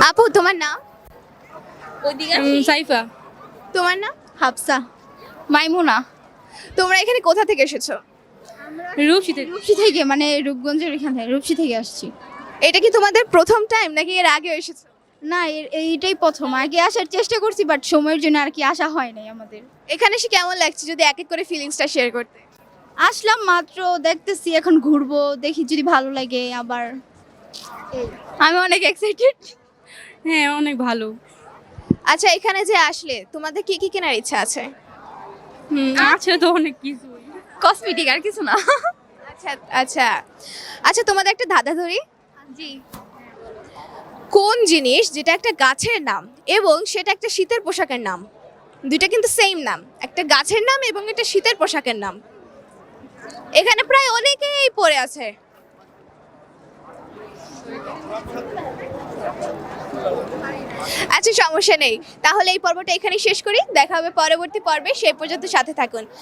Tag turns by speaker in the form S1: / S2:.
S1: আপু তোমার নাম?
S2: সাইফা।
S1: তোমার নাম?
S3: হাফসা।
S1: মাইমুনা। তোমরা এখানে কোথা থেকে এসেছো?
S2: রূপসীতে।
S3: রূপসী থেকে, মানে রূপগঞ্জের এখান থেকে, রূপসী থেকে আসছি।
S1: এটা কি তোমাদের প্রথম টাইম নাকি এর আগে এসেছো?
S3: না, এইটাই প্রথম। আগে আসার চেষ্টা করছি, বাট সময়ের জন্য আর কি আসা হয় নাই আমাদের।
S1: এখানে এসে কেমন লাগছে যদি এক এক করে ফিলিংসটা শেয়ার করতে?
S3: আসলাম মাত্র, দেখতেছি, এখন ঘুরবো, দেখি যদি ভালো লাগে আবার।
S1: আমি অনেক এক্সাইটেড।
S2: হ্যাঁ, অনেক ভালো।
S1: আচ্ছা, এখানে যে আসলে তোমাদের কি কি কেনার ইচ্ছা আছে?
S2: আছে তো অনেক কিছু।
S1: কসমেটিক আর কিছু না? আচ্ছা আচ্ছা আচ্ছা, তোমাদের একটা ধাঁধা ধরি।
S3: জি।
S1: কোন জিনিস যেটা একটা গাছের নাম এবং সেটা একটা শীতের পোশাকের নাম? দুইটা কিন্তু সেম নাম, একটা গাছের নাম এবং একটা শীতের পোশাকের নাম। এখানে প্রায় অনেকেই পড়ে আছে। আচ্ছা, সমস্যা নেই, তাহলে এই পর্বটা এখানেই শেষ করি। দেখা হবে পরবর্তী পর্বে, সেই পর্যন্ত সাথে থাকুন।